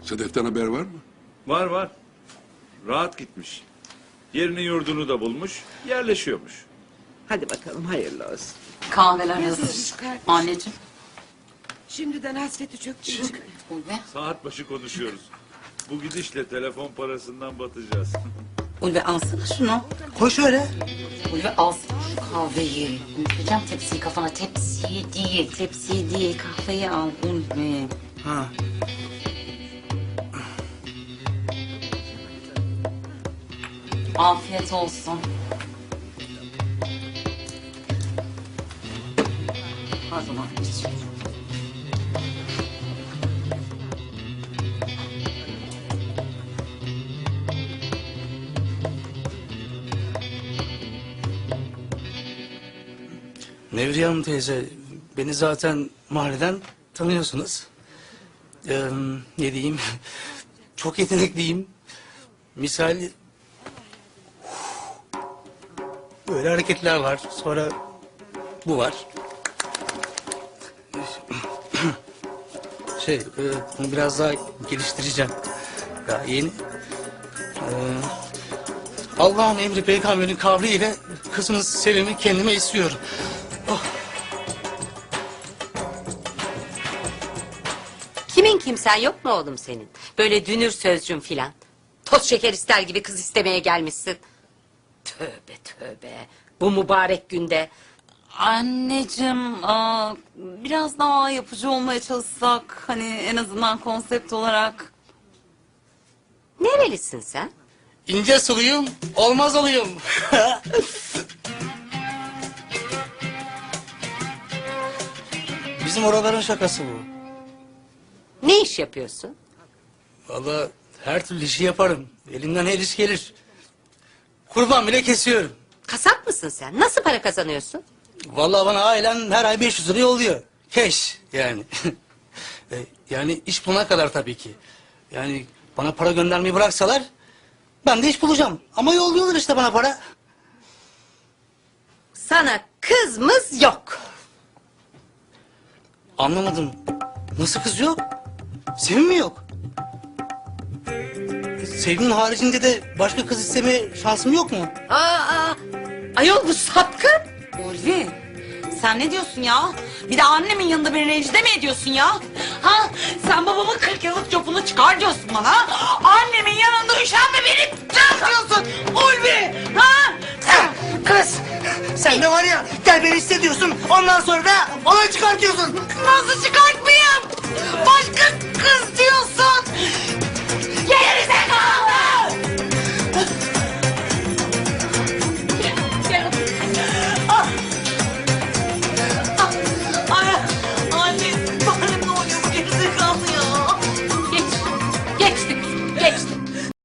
Sedef'ten haber var mı? Var var. Rahat gitmiş. Yerini yurdunu da bulmuş, yerleşiyormuş. Hadi bakalım hayırlı olsun. Kahveler Yazık hazır. kardeşim. Anneciğim. Şimdiden hasreti çöktü içime. Ulve. Saat başı konuşuyoruz. Bu gidişle telefon parasından batacağız. Ulve alsana şunu. Koy şöyle. Ulve alsana şu kahveyi. Üfleyeceğim tepsiyi kafana. Tepsiyi değil. Tepsiyi değil. Kahveyi al Ulve. Ha. Afiyet olsun. O zaman iç. Nevriye Hanım teyze, beni zaten mahalleden tanıyorsunuz. Ne diyeyim, çok yetenekliyim. Misal, böyle hareketler var, sonra bu var. Bunu biraz daha geliştireceğim. Daha yeni. Allah'ın emri peygamberin kavliyle kızınız Sevim'i kendime istiyorum. Oh. Kimin kimsen yok mu oğlum senin? Böyle dünür sözcüm filan. Toz şeker ister gibi kız istemeye gelmişsin. Tövbe tövbe. Bu mübarek günde. Anneciğim, biraz daha yapıcı olmaya çalışsak, hani en azından konsept olarak. Nerelisin sen? İnce suluyum, olmaz olayım. Bizim oraların şakası bu. Ne iş yapıyorsun? Vallahi her türlü işi yaparım. Elimden her iş gelir. Kurban bile kesiyorum. Kasap mısın sen? Nasıl para kazanıyorsun? Vallahi bana ailem her ay 500 lira yolluyor. Keş yani. Yani iş bulana kadar tabii ki. Yani bana para göndermeyi bıraksalar ben de iş bulacağım. Ama yolluyorlar işte bana para. Sana kızımız yok. Anlamadım. Nasıl kız yok? Sevim mi yok? Sevim'in haricinde de başka kız isteme şansım yok mu? Ayol bu sapkın. Ulvi, sen ne diyorsun ya? Bir de annemin yanında beni rencide mi ediyorsun ya? Ha? Sen babamın 40 yıllık copunu çıkar diyorsun bana. Annemin yanında üşen de beni diyorsun. Ulvi, ha? Kız! Sen de var ya gel beni hissediyorsun. Ondan sonra da olay çıkartıyorsun. Nasıl çıkartmayayım? Başka kız